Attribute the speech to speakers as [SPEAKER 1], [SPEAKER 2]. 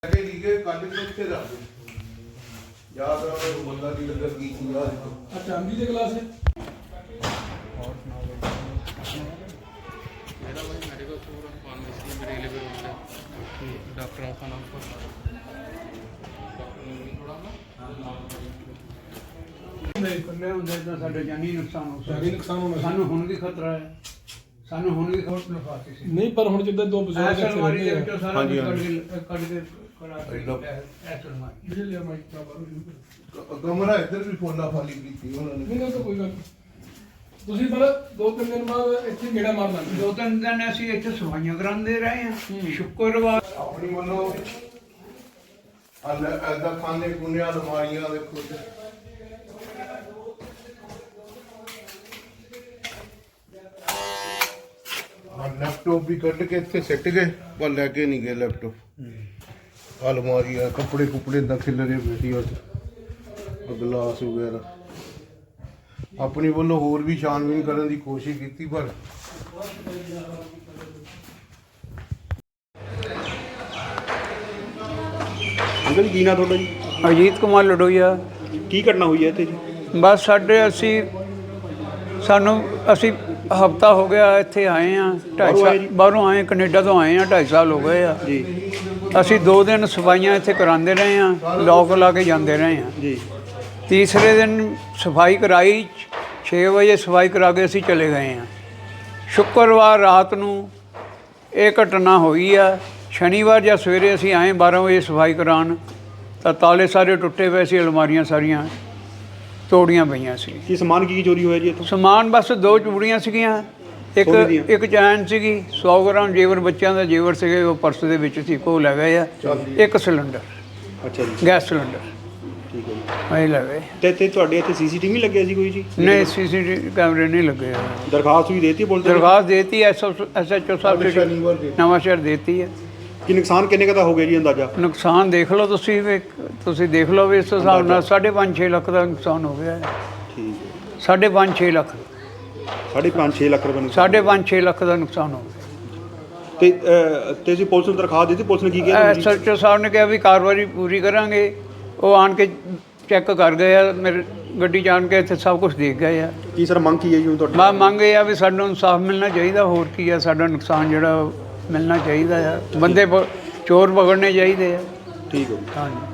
[SPEAKER 1] चांदी के गिलास है डॉक्टर का नाम
[SPEAKER 2] जानी नुकसान हो सानू हुण भी खतरा है सानू हुण भी खतरा
[SPEAKER 1] नहीं पर हुण जिद्दां दो बजुर्ग
[SPEAKER 3] कमरा इधर भी फोना फाली की
[SPEAKER 1] नहीं तो कोई गल ਤੁਸੀਂ ਪਰ 2-3 ਦਿਨ ਬਾਅਦ ਇੱਥੇ ਗੇੜਾ ਮਾਰ ਲਾਂਗੇ
[SPEAKER 2] 2-3 ਦਿਨ ਅਸੀਂ ਇੱਥੇ ਸਫਾਈਆਂ ਕਰਾਉਂਦੇ ਰਹੇ ਹਾਂ ਸ਼ੁੱਕਰਵਾਰ
[SPEAKER 3] ਆਪਣੀ ਵੱਲੋਂ ਐਦਾ ਖਾਣੇ ਖੁਣੇ ਅਲਮਾਰੀਆਂ ਦੇਖੋ लैपटॉप भी कट के इतने सिट गए पर लैके नहीं गए लैपटॉप अलमारी कपड़े कुपड़े इदा खिलरे बेटी गिलास वगैरह अपनी वालों होर भी छानबीन करने की कोशिश की पर
[SPEAKER 4] अंकल जी की ना थोड़ा जी
[SPEAKER 2] ਅਜੀਤ ਕੁਮਾਰ ਲਡੋਈਆ
[SPEAKER 4] की घटना हुई है इत्थे जी
[SPEAKER 2] ਬਸ ਸਾਡੇ ਸਾਨੂੰ ਅਸੀਂ ਹਫਤਾ ਹੋ ਗਿਆ ਇੱਥੇ ਆਏ ਆ 2.5 ਸਾਲ ਬਾਹਰੋਂ ਆਏ ਕੈਨੇਡਾ ਤੋਂ ਆਏ ਆ 2.5 ਸਾਲ ਹੋ ਗਏ ਆ
[SPEAKER 4] जी
[SPEAKER 2] ਅਸੀਂ 2 ਦਿਨ ਸਫਾਈਆਂ ਇੱਥੇ ਕਰਾਉਂਦੇ ਰਹੇ ਆ ਲੋਕ ਲਾ ਕੇ ਜਾਂਦੇ ਰਹੇ ਆ
[SPEAKER 4] जी
[SPEAKER 2] ਤੀਸਰੇ ਦਿਨ ਸਫਾਈ ਕਰਾਈ 6 ਵਜੇ ਸਫਾਈ ਕਰਾ ਕੇ ਅਸੀਂ ਚਲੇ ਗਏ ਆ ਸ਼ੁੱਕਰਵਾਰ ਰਾਤ ਨੂੰ ਇਹ ਘਟਨਾ ਹੋਈ ਆ ਸ਼ਨੀਵਾਰ ਜਾਂ ਸਵੇਰੇ ਅਸੀਂ ਆਏ 12 ਵਜੇ ਸਫਾਈ ਕਰਾਉਣ ਤਾਂ ਤਾਲੇ ਸਾਰੇ ਟੁੱਟੇ ਪਏ ਸੀ ਅਲਮਾਰੀਆਂ ਸਾਰੀਆਂ ਤੋੜੀਆਂ ਪਈਆਂ ਸੀ
[SPEAKER 4] की समान की चोरी हुआ जी इत्थों
[SPEAKER 2] ਸਮਾਨ ਬਸ 2 ਚੂੜੀਆਂ ਸੀਗੀਆਂ ਇੱਕ ਚੈਨ ਸੀਗੀ 100 ਗ੍ਰਾਮ ਜੇਵਰ ਬੱਚਿਆਂ ਦਾ ਜੇਵਰ ਸੀਗੇ ਉਹ ਪਰਸ ਦੇ ਵਿੱਚ ਸੀ ਕੋ ਲੈ ਗਏ ਆ ਇੱਕ ਸਿਲੰਡਰ
[SPEAKER 4] अच्छा जी
[SPEAKER 2] ਗੈਸ ਸਿਲੰਡਰ
[SPEAKER 4] ठीक है जी
[SPEAKER 2] ਇਹ ਲੈ ਗਏ
[SPEAKER 4] ਤੇ ਇੱਥੇ ਤੁਹਾਡੇ ਇੱਥੇ ਸੀਸੀਟੀਵੀ ਲੱਗਿਆ ਸੀ ਕੋਈ ਜੀ
[SPEAKER 2] ਨਹੀਂ ਸੀਸੀਟੀਵੀ ਕੈਮਰੇ ਨਹੀਂ ਲੱਗੇ ਹੋਏ।
[SPEAKER 4] ਦਰਖਾਸਤ ਵੀ ਦੇਤੀ ਪੁਲਿਸ ਨੇ
[SPEAKER 2] ਦਰਖਾਸਤ ਦੇਤੀ ਐਸਐਚਓ ਸਾਹਿਬ ਨੇ ਨਵਾਂ ਸ਼ਹਿਰ ਦੇਤੀ ਹੈ
[SPEAKER 4] ਕਿ ਨੁਕਸਾਨ ਕਿੰਨੇ ਕੁ ਦਾ ਹੋ ਗਿਆ ਜੀ ਅੰਦਾਜ਼ਾ
[SPEAKER 2] ਨੁਕਸਾਨ ਦੇਖ ਲਓ ਤੁਸੀਂ ਵੀ ਤੁਸੀਂ ਦੇਖ ਲਓ ਵੀ ਇਸ ਹਿਸਾਬ ਨਾਲ 5.5-6 ਲੱਖ ਦਾ ਨੁਕਸਾਨ ਹੋ ਗਿਆ ਹੈ
[SPEAKER 4] ਠੀਕ ਹੈ
[SPEAKER 2] 5.5-6 ਲੱਖ
[SPEAKER 4] 5.5 ਲੱਖ ਰੁਪਏ ਨੁਕਸਾਨ
[SPEAKER 2] 5.5-6 ਲੱਖ ਦਾ ਨੁਕਸਾਨ ਹੋ ਗਿਆ
[SPEAKER 4] ਤੇ ਤੁਸੀਂ ਪੁਲਿਸ ਨੂੰ ਦਰਖਾਸਤ ਦਿੱਤੀ ਪੁਲਿਸ ਨੇ ਕੀ ਕਿਹਾ
[SPEAKER 2] ਐਸਐਚਓ ਸਾਹਿਬ ਨੇ ਕਿਹਾ ਵੀ ਕਾਰਵਾਈ ਪੂਰੀ ਕਰਾਂਗੇ ਉਹ ਆਣ ਕੇ ਚੈੱਕ ਕਰ ਗਏ ਆ ਮੇਰੇ ਗੱਡੀ ਜਾਣ ਕੇ ਇੱਥੇ ਸਭ ਕੁਝ ਦੇਖ ਗਏ ਆ
[SPEAKER 4] ਕੀ ਸਰ ਮੰਗ ਕੀ ਹੈ ਜੀ ਹੁਣ ਤੁਹਾਡੀ
[SPEAKER 2] ਮੈਂ ਮੰਗ ਇਹ ਆ ਵੀ ਸਾਨੂੰ ਇਨਸਾਫ ਮਿਲਣਾ ਚਾਹੀਦਾ ਹੋਰ ਕੀ ਆ ਸਾਡਾ ਨੁਕਸਾਨ ਜਿਹੜਾ ਮਿਲਣਾ ਚਾਹੀਦਾ ਆ ਬੰਦੇ ਚੋਰ ਪਕੜਨੇ ਚਾਹੀਦੇ ਆ
[SPEAKER 4] ਠੀਕ ਹੈ ਜੀ
[SPEAKER 2] ਹਾਂਜੀ